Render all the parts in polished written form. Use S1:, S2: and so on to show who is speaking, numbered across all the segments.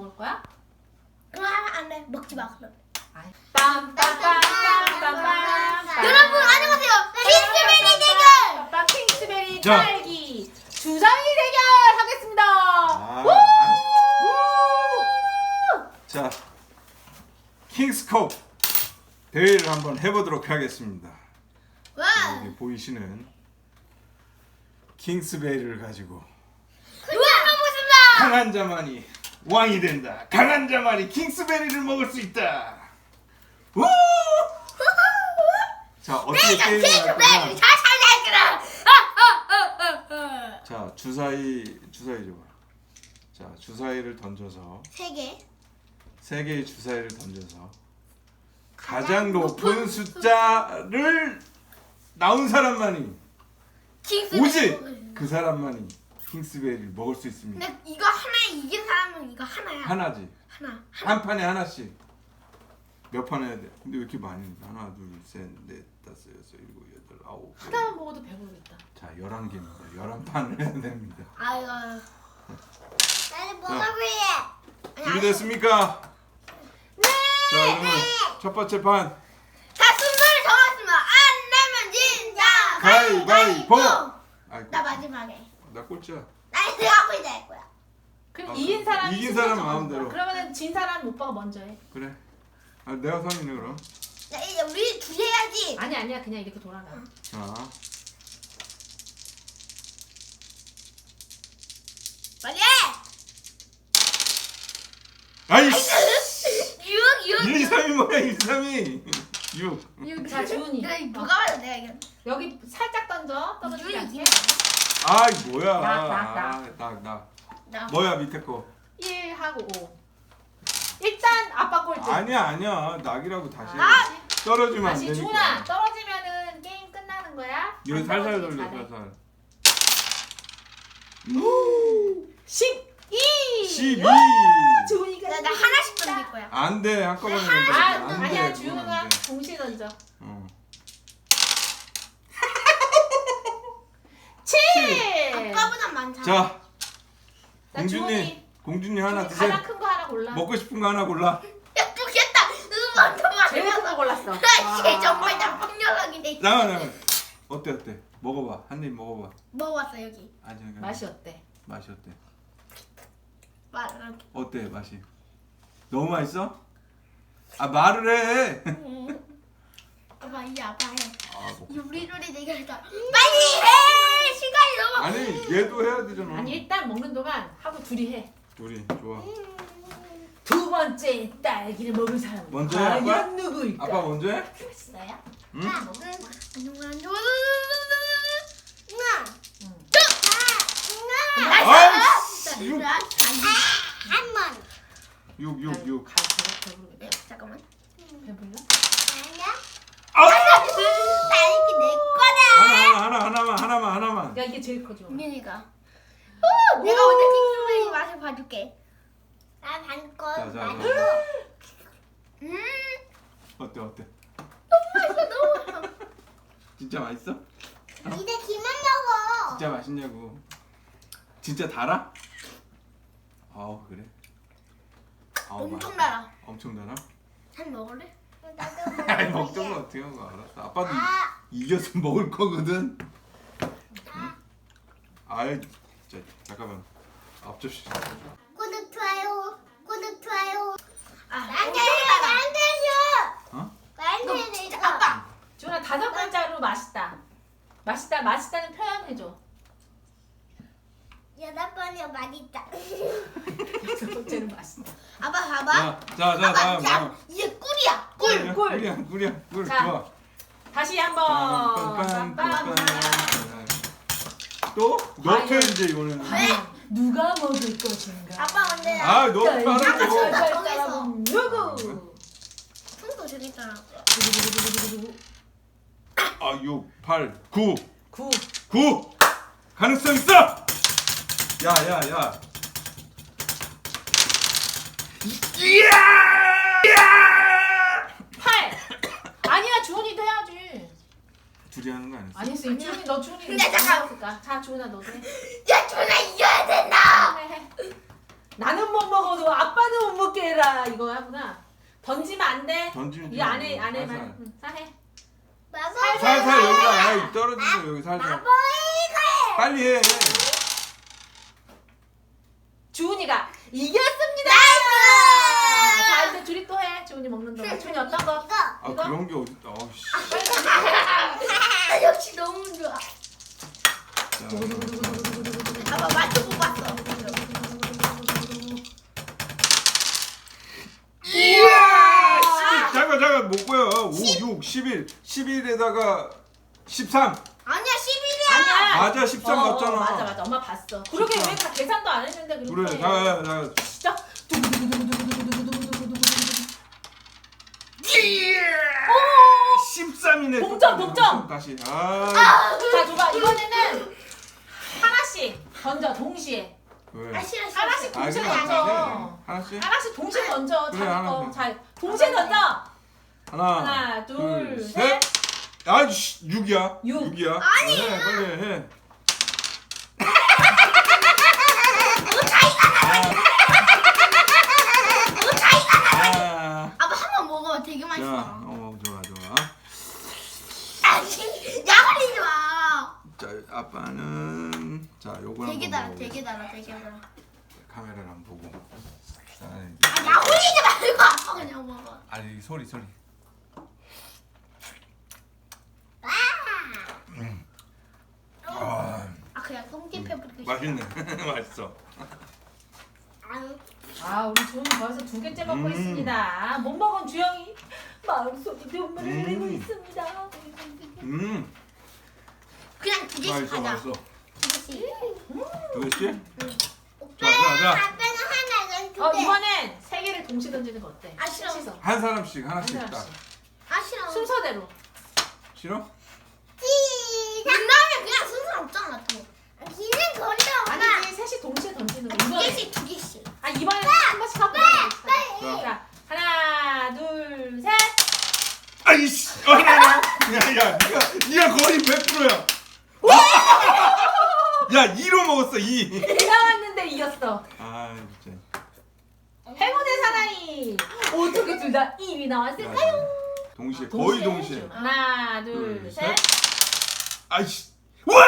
S1: 먹을 거야?
S2: 안 돼. 먹지 마 그럼.
S1: 빰빰빰빰빰빰.
S2: 여러분 안녕하세요. 킹스베리 대결.
S1: 킹스베리
S3: 자.
S1: 딸기 주사위 대결 하겠습니다.
S3: 자, 킹스컵 대회를 한번 해보도록 하겠습니다.
S2: 와.
S3: 여기 보이시는 킹스베리를 가지고
S2: 누가 먹습니다.
S3: 강한 자만이 왕이 된다. 강한 자만이 킹스베리를 먹을 수 있다. 우! 자, 어떻게 게임을 할 거냐?
S2: 킹스베리 잘 살려주라.
S3: 자, 주사위 줘봐. 자, 주사위를 던져서
S2: 세 개.
S3: 3개의 주사위를 던져서 가장 높은 숫자를 나온 사람만이
S2: 킹스베리.
S3: 오직 그 사람만이 킹스베리를 먹을 수 있습니다.
S2: 근데 이거 하나에 이긴 사람은 이거 하나야.
S3: 하나지.
S2: 하나.
S3: 한 판에 하나씩. 몇 판 해야 돼? 근데 왜 이렇게 많이 해? 하나, 둘, 셋, 넷, 다섯, 여섯, 일곱, 여덟, 아홉.
S1: 하나만 먹어도 배부르겠다.
S3: 자, 11개입니다. 11판을 해야 됩니다.
S2: 아이고. 나는 먹어볼래.
S3: 준비됐습니까?
S2: 네.
S3: 자, 그러면 첫 번째 판
S2: 자, 순서를 정했습니다. 안 내면 진다.
S3: 가위바위보! 아이고,
S2: 나 마지막에.
S3: 나 꼴찌야.
S2: 나 이거 하고 이제 할 거야.
S1: 그럼
S3: 아,
S1: 이긴 사람이
S3: 이긴
S1: 순서
S3: 사람
S1: 정하는
S3: 마음대로.
S1: 거야. 그러면은 진 사람 오빠가 먼저 해.
S3: 그래. 아, 내가 선이네 그럼.
S2: 나 이제 우리 둘이 해야지.
S1: 아니야 그냥 이렇게 돌아가.
S3: 자,
S2: 빨리 해.
S3: 아이씨!
S2: 6.
S3: 1, 2, 3이 뭐야? 1, 2, 3이 6.
S1: 자 주은이.
S2: 누가 봐도 내가 이겼.
S1: 여기 살짝 던져. 떨어지지 않게.
S3: 아이 뭐야?
S1: 낙.
S2: 나.
S3: 뭐야 밑에 거?
S1: 1 하고 5. 일단 아빠 꼴찌.
S3: 아니야. 낙이라고 다시.
S2: 아!
S3: 떨어지면 안
S1: 다시
S3: 되니까.
S1: 주은아 떨어지면은 게임 끝나는 거야.
S3: 이거
S1: 안
S3: 살살
S1: 떨어지기
S3: 돌려
S1: 잘해.
S3: 살살.
S1: 12.
S3: 12.
S1: 주은이가
S2: 나 하나씩 던질 거야.
S3: 안 돼. 한꺼번에 던져.
S1: 아니야
S3: 돼.
S1: 주은아
S3: 그건 안 돼.
S1: 동시에 던져.
S3: 어.
S1: 7.
S2: 아빠보다 많잖아.
S3: 자,
S1: 나 주은이.
S3: 공주님 하나
S1: 주은이
S3: 드세요.
S1: 가장 큰 거 하나 골라.
S3: 먹고 싶은 거 하나 골라.
S2: 야, 죽겠다. 먼저
S1: 제일 큰
S2: 말해.
S1: 거 골랐어.
S2: 씨, 정말 나쁜 녀석이네.
S3: 나가. 어때? 먹어봐. 한 입 먹어봐.
S2: 먹어봤어 여기.
S3: 아직
S1: 맛이 어때?
S3: 맛이 어때?
S2: 말을.
S3: 어때 맛이? 너무 맛있어? 아 말을 해.
S2: 아빠 이제 아빠 해.
S3: 아, 먹고
S2: 이 우리 둘이 대결이다. 빨리 해. 시간이 너무.
S3: 아니 얘도 해야 되잖아.
S1: 아니 일단 먹는 동안 하고 둘이 해.
S3: 둘이 좋아.
S1: 두 번째 딸기를 먹을 사람은
S3: 먼저 해, 아빠?
S1: 과연 누구일까?
S3: 아빠 먼저 해?
S1: 됐어요?
S3: 응?
S2: 안녕.
S3: 아이씨, 육.
S2: 한 번.
S3: 6.
S1: 배부르겠다.
S2: 잠깐만.
S1: 배불러?
S3: 아!
S2: 딸기 내 거다.
S3: 하나만.
S1: 야 이게 제일 커져.
S2: 민이가. 내가 먼저 킹스베리 맛을 봐줄게. 나 반거.
S3: 자. 어때?
S2: 너무 맛있어.
S3: 진짜 맛있어?
S2: 이제 기만 먹어.
S3: 진짜 맛있냐고. 진짜 달아? 아우 그래. 아우,
S2: 엄청
S3: 맛있다.
S2: 달아.
S3: 엄청 달아?
S2: 한 먹을래?
S3: 아니 먹던 거 어떻게 하고 알았어. 아빠도 이겨서 먹을 거거든. 응? 아이 진짜 잠깐만. 앞접시.
S2: 구독 좋아요.
S3: 어?
S2: 나한테 줘. 아빠.
S1: 주은아 5글자로 맛있다는 표현 해줘.
S2: 8번이요 맛있다.
S1: 6번째는 맛있다.
S2: 아빠 봐봐.
S3: 자
S2: 아빠
S3: 다음.
S2: 자 이제 꿀이야. 꿀.
S3: 꿀이야.
S1: 자.
S3: 좋아.
S1: 다시 한번.
S3: 또 넣게
S1: 아유.
S3: 이제 이거는.
S1: 누가 먹을 것인가?
S2: 아빠 먼저.
S3: 아 너무
S1: 딸기
S3: 빠르고.
S1: 먹을
S2: 저기서.
S1: 사람은 누구?
S2: 손도 재밌잖아.
S3: 아 6, 8, 9.
S1: 9.
S3: 가능성 있어. 야. 이야!
S1: 8. 아니야 주은이도 해야지.
S3: 둘이 하는 거 아니었어?
S1: 아니었어. 주은이 너 주은이.
S2: 근데 잠깐.
S1: 먹었을까? 자 주은아 너도 해.
S2: 야 준아 이겨야 된다.
S1: 해. 나는 못 먹어도 아빠는 돼.
S3: 던지면
S1: 이 안에만. 응, 해.
S3: 살살 여기다 아이 떨어지고 여기 살살. 빨리 해.
S1: 주은이가 이겼습니다. 자 이제 둘이 또 해. 주은이 먹는 동안. 주은이 어떤 거?
S3: 아
S1: 이거?
S3: 그런 게 어딨다. 어씨.
S2: 역시 너무 좋아. 아빠 맞춰 뽑았어.
S3: 이야! 잠깐 못 보여. 5, 6, 11. 11에다가 13.
S2: 아니야 11이야.
S1: 아니야.
S3: 맞아 13 맞잖아.
S1: 맞아. 엄마 봤어. 그러게 왜 다 계산도 안 했는데 그렇게.
S3: 그래. 자.
S1: 진짜.
S3: 13이네.
S1: 동점.
S3: 다시.
S1: 자 줘봐. 이번에는 하나씩 던져 동시에.
S3: 왜?
S2: 아 싫어.
S1: 하나씩 동시에
S3: 그냥
S1: 던져.
S3: 하나씩.
S1: 하나씩 동시에 던져.
S3: 그래,
S1: 자기 거.
S3: 하나씩.
S1: 자 동시에 던져.
S3: 하나,
S1: 둘, 셋.
S3: 아, 6이야.
S1: 육.
S3: 6이야.
S2: 아니야.
S3: 빨리 해. 아,
S2: 아빠 한 번 먹어봐 되게
S3: 자,
S2: 맛있어.
S3: 좋아.
S2: 아니 야걸리지 마.
S3: 자, 아빠는 자, 요거
S2: 되게
S3: 한번
S2: 달아
S3: 먹어보겠습니다.
S2: 되게 달아 되게 달아.
S3: 카메라를 한번 보고. 자,
S2: 아 야걸리지 말고 아빠 그냥 먹어.
S3: 아니 소리. 아,
S2: 아 그냥 똥집 해버리고 싶어.
S3: 맛있네. 맛있어.
S1: 아 우리 주은이 벌써 2개째 먹고 있습니다. 못 먹은 주영이 마음속에 눈물을 흘리고 있습니다.
S2: 그냥 2개씩 하자.
S3: 맛있어.
S2: 2개씩.
S3: 2개씩?
S2: 오빠는
S3: 자.
S2: 아빠는 하나 난 2개.
S1: 이번엔 3개를 동시에 던지는 거 어때?
S2: 아, 싫어.
S1: 셋이서.
S3: 한 사람씩
S1: 한
S3: 하나씩 딱.
S1: 사람씩.
S2: 아 싫어.
S1: 순서대로.
S3: 싫어?
S2: 그러면 그냥 순서 없잖아 또. 기는 거리가
S1: 아니지 셋이 동시에 던지는 거.
S2: 2개씩 2개씩.
S1: 아 이번엔 한 번씩 하고.
S2: 빨리.
S1: 자 하나 둘 셋.
S3: 아이씨. 야, 네가 거의 100%야. 야, 2로 먹었어. 2.
S1: 나왔는데 이겼어.
S3: 아, 진짜.
S1: 행운의 사나이. 어떻게 둘 다 1이 나왔을까요?
S3: 동시에 거의 동시에.
S1: 하나 둘
S3: 둘,
S1: 셋.
S3: 셋. 아이씨. 와!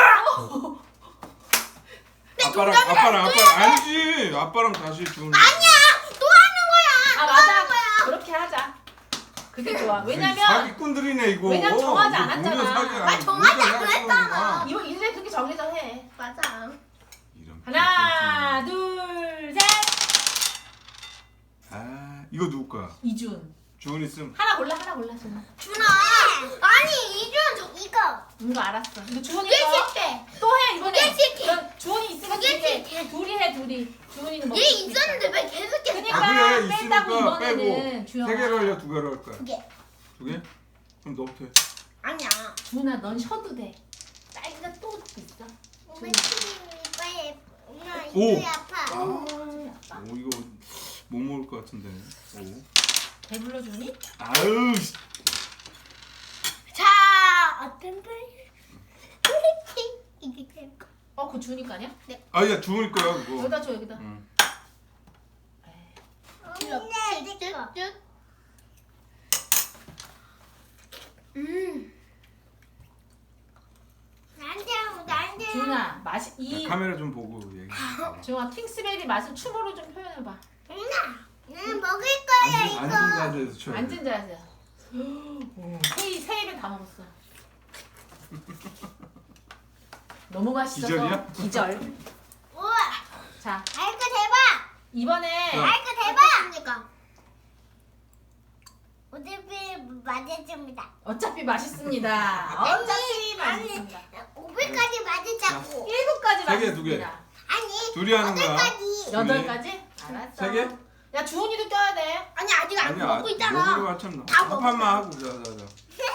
S3: 아빠랑 아니지. 아빠랑 다시 주는.
S2: 또 하는 거야.
S1: 아 맞아. 그렇게 하자. 그게 좋아. 왜냐면
S3: 사기꾼들이네 이거.
S1: 왜냐면 정하지
S3: 이거
S1: 않았잖아.
S3: 우리가 사기야.
S2: 아, 정하지
S3: 우리가
S2: 않았잖아.
S3: 사기꾼이구나.
S1: 이거 이제 그렇게 정해서 해.
S2: 맞아.
S3: 이런
S1: 하나
S3: 사기꾼들.
S1: 둘 셋.
S3: 아, 이거 누구 거야?
S1: 이준.
S3: 주은이 씀.
S1: 하나 골라 준아.
S2: 준아. 아니 이준 저 이거.
S1: 이거 알았어. 이거 주은이
S2: 2개씩 해.
S1: 또해 이번에.
S2: 2개씩 해.
S1: 넌 주은이 있으면
S2: 2개씩 해.
S1: 둘이 해 둘이. 주은이는 먹을
S2: 얘
S1: 수 있어.
S2: 있었는데 왜 계속 해?
S1: 그러니까
S3: 아 그래
S1: 뺀다고
S3: 있으니까 빼고
S1: 이번에는 주영아.
S3: 3개로 할래 2개로 할 거야?
S2: 2개.
S3: 2개? 그럼 너부터 해.
S2: 아니야.
S1: 주은아 넌 쉬어도 돼. 딸기가 또 있어.
S2: 엄마 빨리. 엄마
S3: 오.
S2: 이쪽이 아파.
S3: 오 이거 못 먹을 것 같은데. 오.
S1: 배불러 주니?
S3: 아유. 씨.
S2: 자 어떤 걸? 이게 될까?
S1: 그거 주은이 거 아니야?
S3: 아야 주은이 거야 그거.
S1: 여기다 줘 여기다.
S3: 응.
S2: 쭉. 나한테.
S1: 주은아 맛이
S3: 야,
S1: 이
S3: 카메라 좀 보고 얘기해.
S1: 주은아 킹스베리 맛을 춤으로 좀 표현해봐.
S2: 나는 먹을 거야
S3: 앉은
S2: 이거.
S3: 자세에서 쳐야 돼.
S1: 앉은 자세요. 세 입에 다 먹었어. 너무 맛있어서
S3: 기절이야?
S1: 기절.
S2: 우와.
S1: 자
S2: 아이고 대박.
S1: 이번에
S3: 어.
S2: 아이고 대박. 어차피 맞았습니다.
S1: 어차피 맛있습니다. 어차피 맛있습니다.
S2: 500까지 맞았자고.
S1: 7가지
S3: 세 개,
S1: 맛있습니다.
S3: 두 개.
S2: 아니.
S3: 둘이 하는 거야.
S2: 8까지.
S1: 8가지? 알았어.
S3: 세 개?
S1: 야 주은이도 껴야 돼.
S2: 아니 아직 안
S3: 아니야.
S2: 먹고 있잖아.
S3: 먹으려고 한참
S2: 다
S3: 한 판만
S2: 먹었어.
S3: 하고 자자자.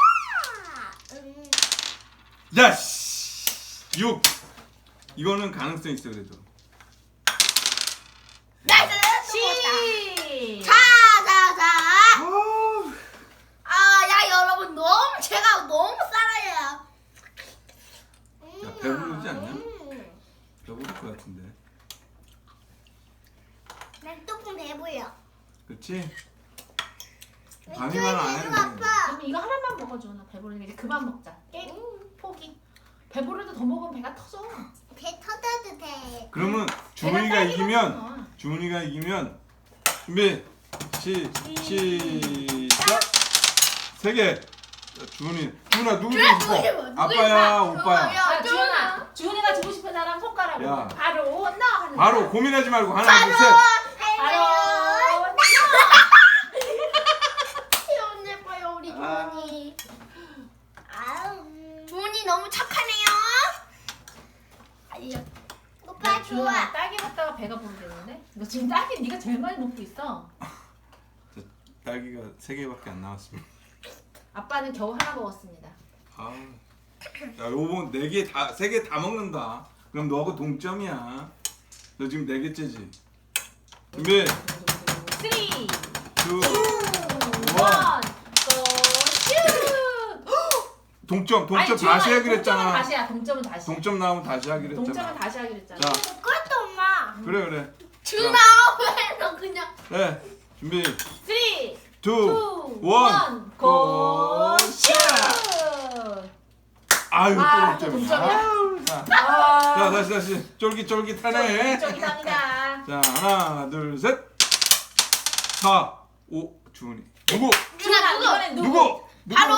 S3: 야 씨. 6. 이거는 가능성 있어 그래도.
S2: 나이스.
S1: 시.
S2: 자. 야 여러분 제가 너무 쌀아요.
S3: 야, 배부르지 않냐? 배부를 것 같은데.
S2: 난 조금 배불러.
S3: 그렇지? 아니면 안 해도 돼.
S1: 그럼 이거 하나만 먹어줘. 나 배부르니까 이제 그만 먹자. 게임 포기. 배부르도 더 먹으면 배가 터져.
S2: 배 터져도 돼.
S3: 그러면
S1: 배가
S3: 주문이가
S1: 딸기
S3: 이기면
S1: 같구나.
S3: 주문이가 이기면 준비 시작 3개. 주문아 누구 주고 싶어? 아빠야 오빠야.
S1: 자, 주은이가 주고 싶은 사람 손가락으로
S3: 야.
S1: 바로 나 하는
S3: 바로
S1: 거야.
S3: 고민하지 말고 하나 둘 셋.
S1: 바로
S2: 귀여운 예뻐요 우리 주원이. 주원이 너무 착하네요. 알려. 오빠
S1: 주은아
S2: 좋아.
S1: 딸기 먹다가 배가 부르겠는데? 너 지금 딸기 네가 제일 많이 먹고 있어.
S3: 딸기가 3개밖에 안 나왔습니다.
S1: 아빠는 겨우 하나 먹었습니다.
S3: 아, 야 요번 4개 다 3개 다 먹는다. 그럼 너하고 동점이야. 너 지금 4개째지. 준비
S1: 3, 2, 1,
S3: 2
S1: 고!
S3: 동점
S1: 아니,
S3: 다시
S1: 주은아,
S3: 하기로
S1: 동점은
S3: 했잖아.
S1: 다시야. 동점은 다시.
S3: 동점 나오면 다시 하기로
S1: 동점은
S3: 했잖아.
S1: 다시 하기로 했잖아.
S3: 자,
S2: 그것도 엄마.
S3: 그래.
S2: 준아 왜너 그냥.
S3: 네, 준비
S1: 3, 2,
S3: 2 1
S1: 고! 슛!
S3: 아유
S1: 아,
S3: 또
S1: 또
S3: 동점이야.
S1: 동점이야?
S3: 아유, 자,
S1: 아,
S3: 다시 쫄깃쫄깃하네.
S1: 쫄깃쫄깃합니다.
S3: 자, 하나, 둘, 셋. 4 5 주은이. 누구?
S1: 주은아, 이번엔 누구?
S3: 누구?
S2: 바로.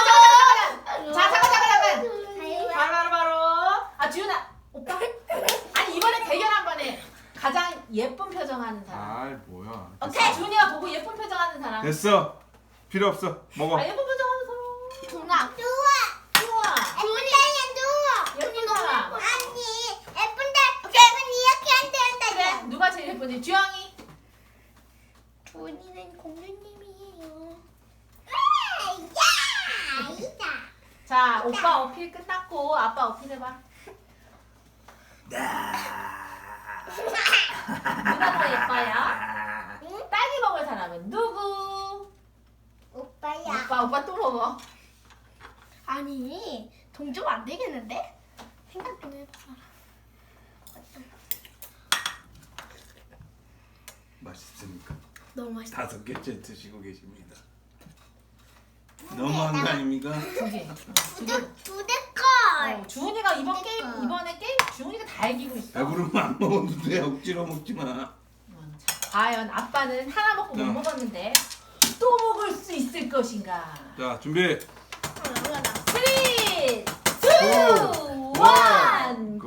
S1: 잠깐. 바로. 아, 주은아, 오빠. 아니, 이번에 대결 한 번 해. 가장 예쁜 표정하는 사람.
S3: 아, 뭐야.
S1: 오케이, 주은이가 보고 예쁜 표정하는 사람.
S3: 됐어. 필요 없어. 먹어.
S1: 아, 예쁜 표정하는 사람.
S2: 준아.
S1: 좋아. 예쁜 사람. 그래, 누가 제일 예쁜지. 주영이.
S2: 주원이는 공주님이에요.
S1: 자, 오빠 어필 끝났고 아빠 어필 해봐. 누가 더 예뻐요? 딸기 먹을 사람은 누구?
S2: 오빠야.
S1: 오빠 또 먹어.
S2: 아니 동점 안 되겠는데? 생각 좀 해봐.
S3: 맛있습니까?
S2: 너무 맛있어.
S3: 5개째 드시고 계십니다. 너무한 거 아닙니까?
S1: 두 개.
S2: 두대 걸.
S1: 주은이가 이번에 게임 주은이가 다 이기고 있어.
S3: 배부르면 안 먹어도 돼. 억지로 먹지 마.
S1: 자, 과연 아빠는 하나 먹고 못
S3: 자.
S1: 먹었는데 또 먹을 수 있을 것인가?
S3: 자, 준비.
S1: 3, 2, 1, 고!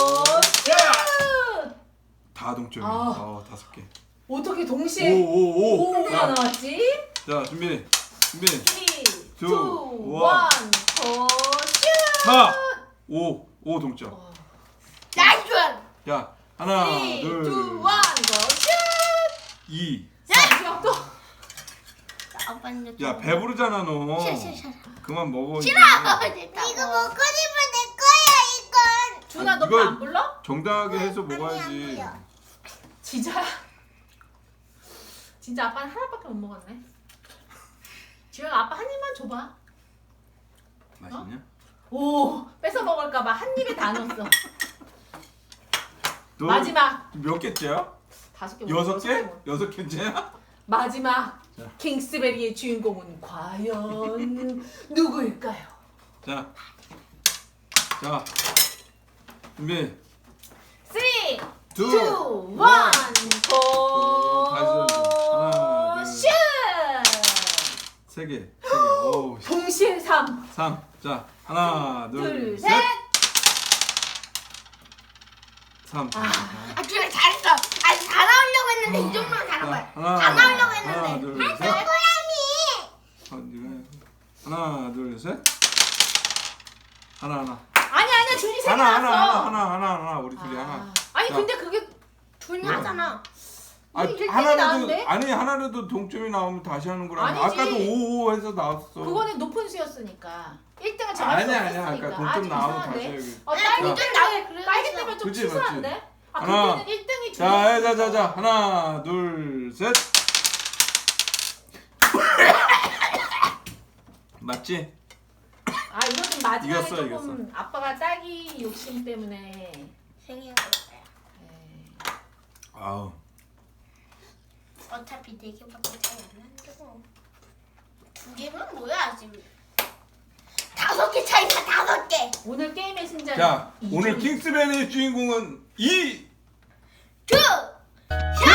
S1: 슛!
S3: 다 동점이야.
S1: 아.
S3: 5개.
S1: 어떻게 동시에
S3: 5.
S1: 5가
S3: 자,
S1: 나왔지?
S3: 자, 준비.
S1: 3, 2, 1,
S3: 2,
S1: 고!
S3: 4 5 동점.
S2: 나이스.
S3: 자, 하나,
S1: 3, 2, 1,
S3: 둘,
S1: 고! 슛!
S3: 2.
S1: 자, 또.
S2: 아빠는
S3: 야, 배부르잖아 너.
S2: 싫어.
S3: 그만 먹어.
S2: 싫어.
S3: 이제.
S2: 이거 먹고 싶어 내 거야 이건.
S1: 준아 너
S3: 이거-
S1: 배 안 불러?
S3: 정당하게 해서
S2: 아니,
S3: 먹어야지.
S2: 안
S1: 진짜 아빠는 하나밖에 못 먹었네. 지효야 아빠 한 입만 줘봐.
S3: 맛있냐?
S1: 오 뺏어 먹을까봐 한 입에 다 넣었어.
S3: 너
S1: 마지막
S3: 몇 개째야?
S1: 5개.
S3: 6개? 6개째야?
S1: 마지막
S3: 자.
S1: 킹스베리의 주인공은 과연 누구일까요?
S3: 자, 준비.
S1: 3, 2, 1,
S3: 둘,
S1: 고!
S3: 하나, 둘,
S1: 슛!
S3: 3개. 오,
S1: 동시에 3,
S3: 3. 자, 하나,
S1: 둘,
S3: 둘,
S1: 셋!
S3: 셋. 3.
S2: 아 준아 잘했어. 아니 다 나오려고 했는데 이 정도면 잘한 거야. 다 나오려고 했는데.
S3: 하나, 둘, 셋.
S2: 고양이.
S3: 하나, 둘, 셋. 하나.
S1: 아니야 준이 3개 나왔어.
S3: 하나. 우리 둘이 하나.
S1: 아니
S3: 자.
S1: 근데 그게
S2: 준이 하잖아.
S3: 아,
S1: 일등이
S3: 하나라도
S1: 나왔는데?
S3: 아니 하나라도 동점이 나오면 다시 하는 거라.
S1: 아니지.
S3: 아까도 5 해서 나왔어.
S1: 그거는 높은 수였으니까 1등을 정할 수
S3: 아니야.
S1: 없었으니까.
S3: 아까 동점 나오면 다시
S1: 이상한데?
S3: 해야지.
S1: 딸기
S2: 동점
S1: 때문에
S2: 나오게 그래서
S1: 딸기 때문에 좀
S3: 그치,
S1: 치사한데? 아
S3: 하나.
S1: 그때는 1등이
S3: 자. 하나, 둘, 셋. 맞지?
S1: 아 이거 좀 마지막에
S3: 이겼어,
S1: 조금 아빠가 딸기 욕심 때문에
S2: 생긴 거였어요.
S1: 에이,
S3: 아우.
S2: 어차피 4개밖에 차이 안 나는데 뭐. 두 개면 뭐야 지금? 5개 차이다 5개.
S1: 오늘 게임의 승자는
S3: 자, 오늘
S1: 이준이.
S3: 킹스맨의 주인공은 이
S2: 두. 샷.